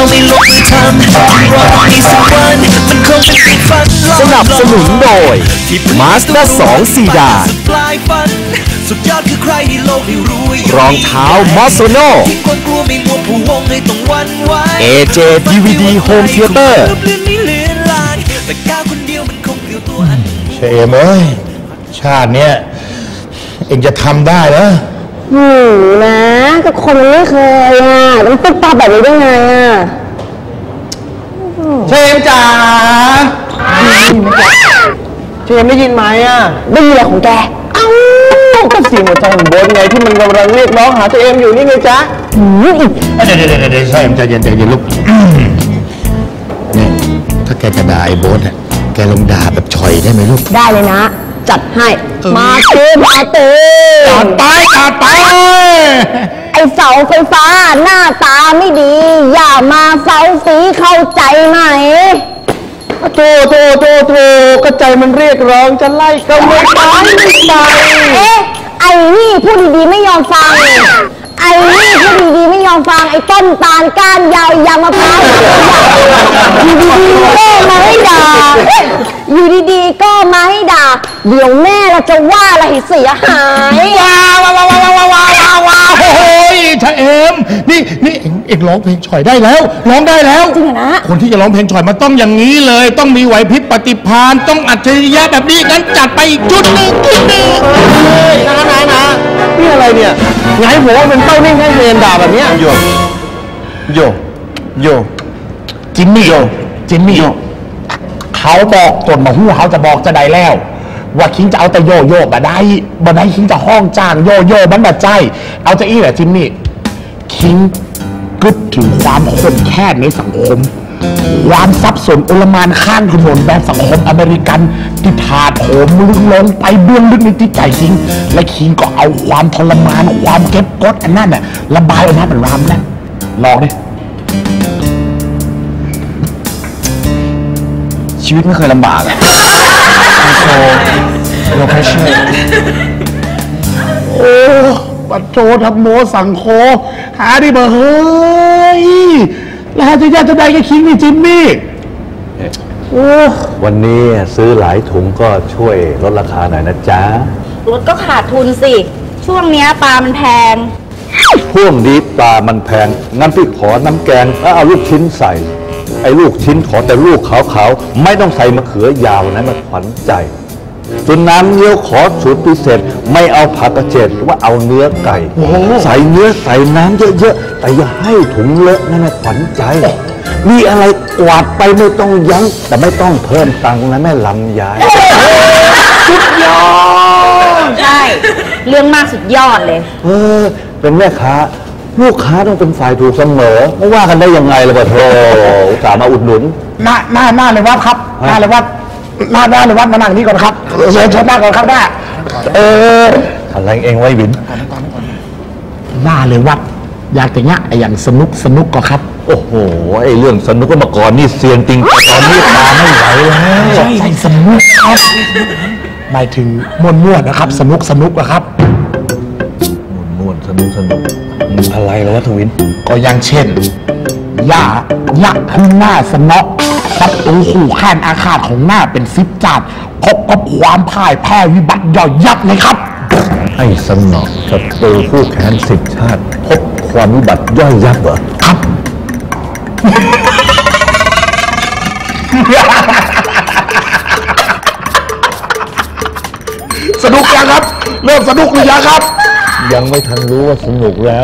ไม่ลงมือทำรอให้สักวันมันคงเป็นฝันสนับสนุนโดย Mazda 2 ซีดานสุดยอดคือใครในโลกที่รู้รองเท้ามอสโซโน่ AJ DVD Home Theater เชมเอ้ยชาติเนี้ยเองจะทำได้เหรอนะก็คนมันไม่เคยมันตุ๊บตับแบบนี้ได้ไงเชมจ๋าเชมได้ยินไหมได้ยินอะไรของแกก็เสียงหัวใจของโบ๊ทไงที่มันกำลังเรียกร้องหาตัวเองอยู่นี่ไงจ๊ะเดี๋ยวเชมใจเย็นลูกนี่ถ้าแกจะด่าไอ้โบ๊ทแกลงด่าแบบฉ่อยได้ไหมลูกได้เลยนะจัดให้มาเต้จัดไปไอเสาไฟฟ้าหน้าตาไม่ดีอย่ามาเฝ้าสีเข้าใจไหมโธ่ก็ใจมันเรียกร้องจะไล่ก็ไม่ไปไอ้นี่พูดดีๆไม่ยอมฟังไอ้นี่พูดดีๆไม่ยอมฟังไอ้ต้นตาลก้านยาวยางมะพร้าวอยู่ดีๆก็มาให้ด่าอยู่ดีๆก็มาให้ด่าเดี๋ยวแม่เราจะว่าอะไรเสียหายว้าวโอ้ยชะเอมนี่เอกร้องเพลงฉ่อยได้แล้วร้องได้แล้วจริงนะคนที่จะร้องเพลงฉ่อยมันต้องอย่างนี้เลยต้องมีไหวพริบปฏิภาณต้องอัจฉริยะแบบนี้งั้นจัดไปอีกจุดหนึ่งนะนี่อะไรเนี่ยไงผมว่าเป็นเต้านิ่งให้เรียนด่าแบบนี้โยจิมมี่เขาบอกตนมาหู้เขาจะบอกจะได้แล้วว่าคิงจะเอาแต่โยบ่ได้คิงจะห้องจ้างโยมันแบบใจเอาจะอี้แหละจิมมี่คิงกึศถึงความคนแค้นในสังคมความซับซ้อนโอลมานข้างถนนแบบสังคมอเมริกันที่ถาโถมลึกลงไปเบื้องลึกในจิตใจคิงและคิงก็เอาความทรมานความเก็บกดอันนั้นน่ะระบายออกมาเป็นรามแล้วลองดิชีวิตไม่เคยลำบากโลเคชั่นโอ้ปัจโจทำโมสังโคหาดิเบอร์เฮ้ยแล้วจะได้ก็คิงนี่จิมมี่วันนี้ซื้อหลายถุงก็ช่วยลดราคาหน่อยนะจ๊ะลดก็ขาดทุนสิช่วงนี้ปลามันแพงช่วงนี้ปลามันแพงงั้นพี่ขอน้ำแกงแล้วเอาลูกชิ้นใส่ไอ้ลูกชิ้นขอแต่ลูกขาวๆไม่ต้องใส่มะเขือยาวนะมันขวัญใจส่วนน้ำเงี้ยวขอสูตรพิเศษไม่เอาผักกระเฉดว่าเอาเนื้อไก่ใส่เนื้อใส่น้ำเยอะๆแต่อย่าให้ถุงเลอะนั่นขวัญใจมีอะไรกวาดไปไม่ต้องยั้งแต่ไม่ต้องเพิ่มตังค์นะแม่ลำยายสุดยอดใช่เรื่องมากสุดยอดเลยเป็นแม่ค้าลูกค้าต้องเป็นฝ่ายถูกเสมอไม่ว่ากันได้ยังไงล่ะบ่โธ่สามารถอุดหนุนหน้าเลยวัดครับหน้าเลยวัดมานั่งนี่ก่อนครับเชิญหน้าก่อนครับหน้าอะไรเองไว้บินหน้าเลยวัดอยากแต่เนี้ยอย่างสนุกก็ครับโอ้โหไอ้เรื่องสนุกก็มาก่อนนี่เซียนจริงตอนนี้ตาไม่ไหวแล้วใช่สนุกครับหมายถึงม่วนนะครับสนุกนะครับม่วนสนุกอะไรแล้ววะทวินก็อย่างเช่นยักษ์ขึ้นหน้าสนอกศัตรูขู่แค้นอาฆาตของหน้าเป็น10 จาดพบกับความพ่ายแพ้วิบัติย่อยยับเลยครับให้สนอกศัตรูคู่แค้น10 ชาติพบความวิบัติย่อยยับเหรอครับสนุกยังครับเริ่มสนุกหรือยังครับยังไม่ทันรู้ว่าสนุกแล้ว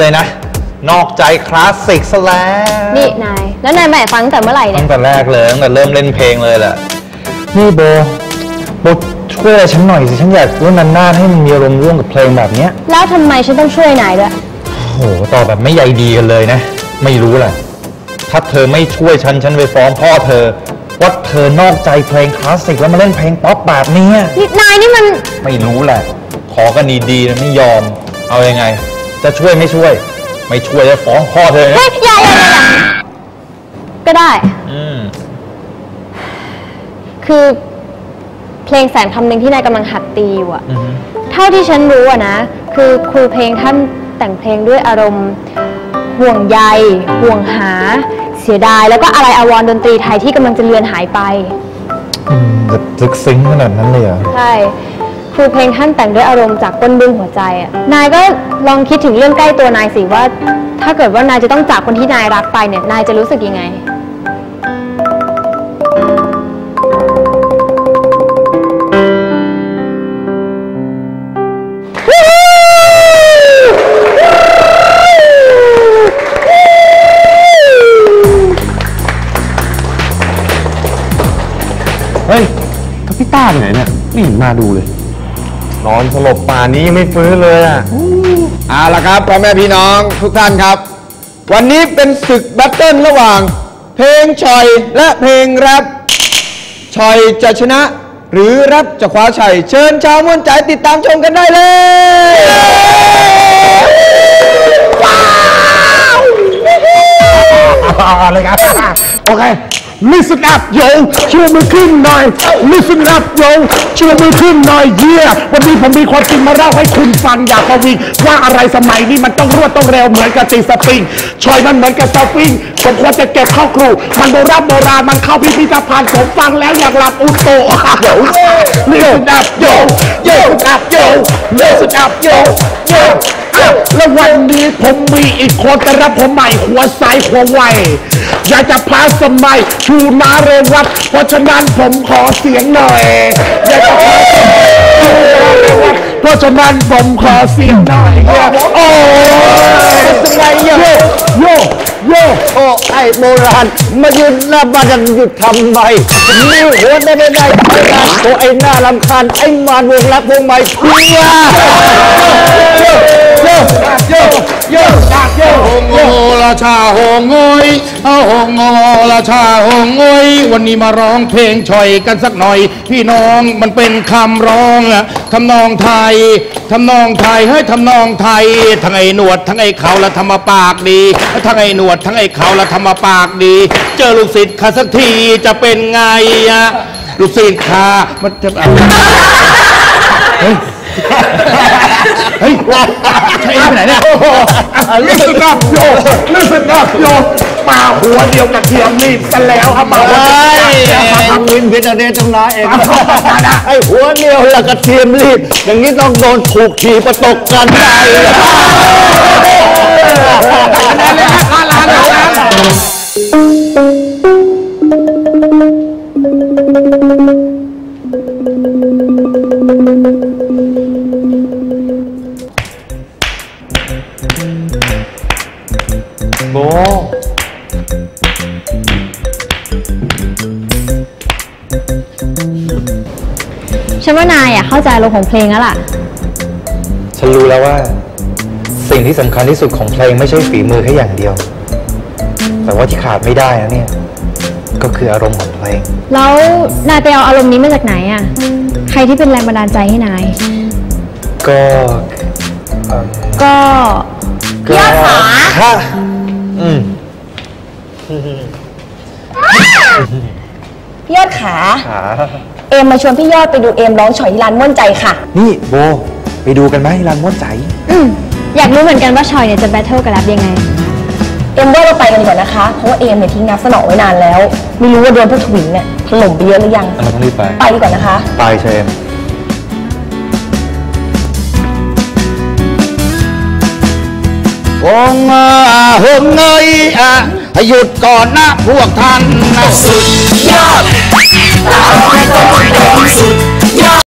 เลยนะนอกใจคลาสสิกซะแล้วนี่นายแล้วนายแม่ฟังแต่เมื่อไหร่เนี่ยตั้งแต่แรกเลยตั้งแต่เริ่มเล่นเพลงเลยแหละนี่โบช่วยอะไรฉันหน่อยสิฉันอยากร่วมนานๆให้มันมีอารมณ์ร่วมกับเพลงแบบเนี้ยแล้วทำไมฉันต้องช่วยนายด้วยโหตอบแบบไม่ใยดีกันเลยนะไม่รู้แหละถ้าเธอไม่ช่วยฉันไปฟ้องพ่อเธอว่าเธอนอกใจเพลงคลาสสิกแล้วมาเล่นเพลงป๊อปแบบนี้นี่นายนี่มันไม่รู้แหละขอกันดีๆนะไม่ยอมเอายังไงจะช่วยไม่ช่วยจะฟ้องพ่อเธอเฮ้ยอย่าก็ได้คือเพลงแสนคำหนึ่งที่นายกำลังหัดตีอยู่อะเท่าที่ฉันรู้อะนะคือครูเพลงท่านแต่งเพลงด้วยอารมณ์ห่วงใยห่วงหาเสียดายแล้วก็อะไรอาวรณ์ดนตรีไทยที่กำลังจะเลือนหายไปลึกซึ้งขนาดนั้นเลยเหรอใช่ครูเพลงท่านแต่งด้วยอารมณ์จากก้นบึ้งหัวใจอะนายก็ลองคิดถึงเรื่องใกล้ตัวนายสิว่าถ้าเกิดว่านายจะต้องจากคนที่นายรักไปเนี่ยนายจะรู้สึกยังไงเฮ้ยพี่ต้าไปไหนเนี่ยไม่เห็นมาดูเลยนอนสลบป่านนี้ยังไม่ฟื้นเลยอ่ะเอาละครับพ่อแม่พี่น้องทุกท่านครับวันนี้เป็นศึกแบทเทิลระหว่างเพลงชอยและเพลงแรปชอยจะชนะหรือแรปจะคว้าชัยเชิญชาวม่วนใจติดตามชมกันได้เลยอะไรครับโอเค listen up yo ชูมือขึ้นหน่อย listen up yo ชูมือขึ้นหน่อยเยี่ยวันนี้ผมมีความจริงมาเล่าให้คุณฟังอยากประวิงว่าอะไรสมัยนี้มันต้องรวดต้องเร็วเหมือนกับตีสปริงชอยมันเหมือนกับสปริงผมควรจะเก็บเข้าครูมันโบราณมันเข้าพิพิธภัณฑ์ผมฟังแล้วอยากหลับอุโต listen up yo listen up yo listen up yo แล้ววันนี้ผมมีอีกคนแต่รับผมใหม่หัวใสหัวไวอยากจะพาสมัยชูนาเรวัตเพราะฉะนั้นผมขอเสียงหน่อยอยากจะพาสมัยชูนาเรวัตเพราะฉะนั้นผมขอเสียงหน่อยโอ้สมัยโยโอ้ไอ้โบราณมายืนหน้าบ้านยังหยุดทำไมนี่หัวได้ไอ้โอ้ไอ้หน้ารำคาญไอ้มารวงรักวงใหม่เพียโยโงราชาโหงอยเอาโหงราชาโหงอยวันนี้มาร้องเพลงชอยกันสักหน่อยพี่น้องมันเป็นคำร้องทำนองไทยให้ทำนองไทยทั้งไอ้หนวดทั้งไอ้เขาและทำมาปากดีทั้งไอ้หนวดทั้งไอ้เขาและทำมาปากดีเจอลูกศิษย์ข้าสักทีจะเป็นไงลูกศิษย์ข้ามันจะเฮ้ยใช่ไปไหนเนี่ยlisten up yo มาหัวเดียวกับเทียมรีบกันแล้วครับมาวินพิจารณาตรงนั้นเองไอ้หัวเดียวแล้วก็เทียมรีบอย่างนี้ต้องโดนถูกขี่ประตกกันได้โบฉันว่านายเข้าใจอารมณ์ของเพลงแล้วล่ะฉันรู้แล้วว่าสิ่งที่สำคัญที่สุดของเพลงไม่ใช่ฝีมือแค่อย่างเดียวแต่ว่าที่ขาดไม่ได้นะเนี่ยก็คืออารมณ์ของเพลงแล้วนายไปเอาอารมณ์นี้มาจากไหนใครที่เป็นแรงบันดาลใจให้นายก็ยอดขาพี่ยอดขาเอมมาชวนพี่ยอดไปดูเอมร้องฉอยที่ร้านม่วนใจค่ะนี่โบไปดูกันไหมร้านม่วนใจอยากรู้เหมือนกันว่าฉอยเนี่ยจะแบทเทิลกับแรปยังไงเอมว่าเราไปกันดีกว่านะคะเพราะว่าเอมเนี่ยทิ้งนับสนอไว้นานแล้วไม่รู้ว่าโดนพวกทวินเนี่ยถล่มไปเยอะหรือยังเราต้องรีบไปดีกว่านะคะไปเชมโงเงยหยุดก่อนนะพวกท่านนะสุด